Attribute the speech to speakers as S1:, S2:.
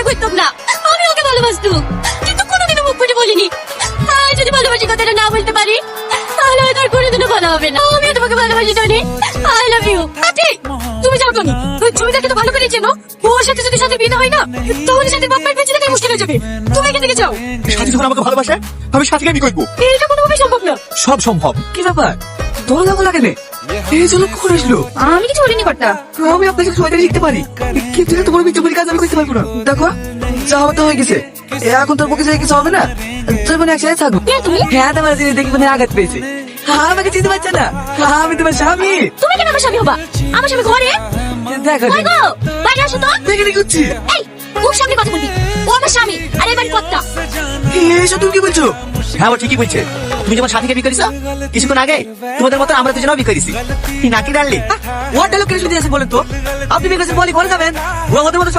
S1: করতাম না, আমি ওকে ভালোবাসতাম, কিন্তু কোনোদিনও মুখ ফুটে বলিনি। আর যদি ভালোবাসি কথাটা না বলতে পারি, তাহলে হয়তো আর কোনোদিনও ভালো হবে না। আমিও তোমাকে ভালোবাসি টনি, আই লাভ ইউ। তুমি যাও টনি, ওই ছবিটাকে তো ভালো করে চেনো। ওর সাথে যদি সাথে বিয়ে না হয় না, তাহলে সাথে বাপ্পার বেঁচে থাকা মুশকিল হয়ে যাবে। তুমি এখান থেকে যাও।
S2: সাথী যখন আমাকে ভালোবাসে, আমি সাথীকে বিয়ে করবো।
S1: এটা কোনোভাবেই সম্ভব না।
S2: সব সম্ভব। কি ব্যাপার, তোর লাগো লাগে না? এই জন্য কখন আসলো?
S1: আমি কিছু বলিনি কর্তা।
S2: আমি আপনার সাথে সবাই শিখতে পারি, কিন্তু তোমার মিথ্যে কাজ আমি করতে পারবো না। দেখো, যা হবে তো হয়ে গেছে, এখন তোর পক্ষে কিছু হবে না। তুই মানে একসাথে থাকবো।
S1: তুমি
S2: হ্যাঁ, তোমার দেখি মানে আঘাত পেয়েছে। আমাকে চিনতে পারছে না, আমি তোমার স্বামী।
S1: তুমি কেন আমার স্বামী হবা? আমার স্বামী ঘরে।
S2: দেখো
S1: কই গো, বাইরে আসো তো।
S2: দেখে কি করছি?
S1: এই, মুখ সামনে কথা বলবি। ও আমার স্বামী, আর এবার কর্তা।
S2: এসব তুমি কি বলছো? হ্যাঁ, ও ঠিকই বলছে। তুমি যেমন সাথীকে বিয়ে করেছো, কিছুক্ষণ আগে তোমাদের মতো আমরা দুজনেও বিয়ে করেছি। নাকি ডাললি ওর ডায়লগ কেন শুনতে আছে বলেন তো? আপনি বিয়ে করেছেন বলি করে যাবেন, ও আমাদের মতো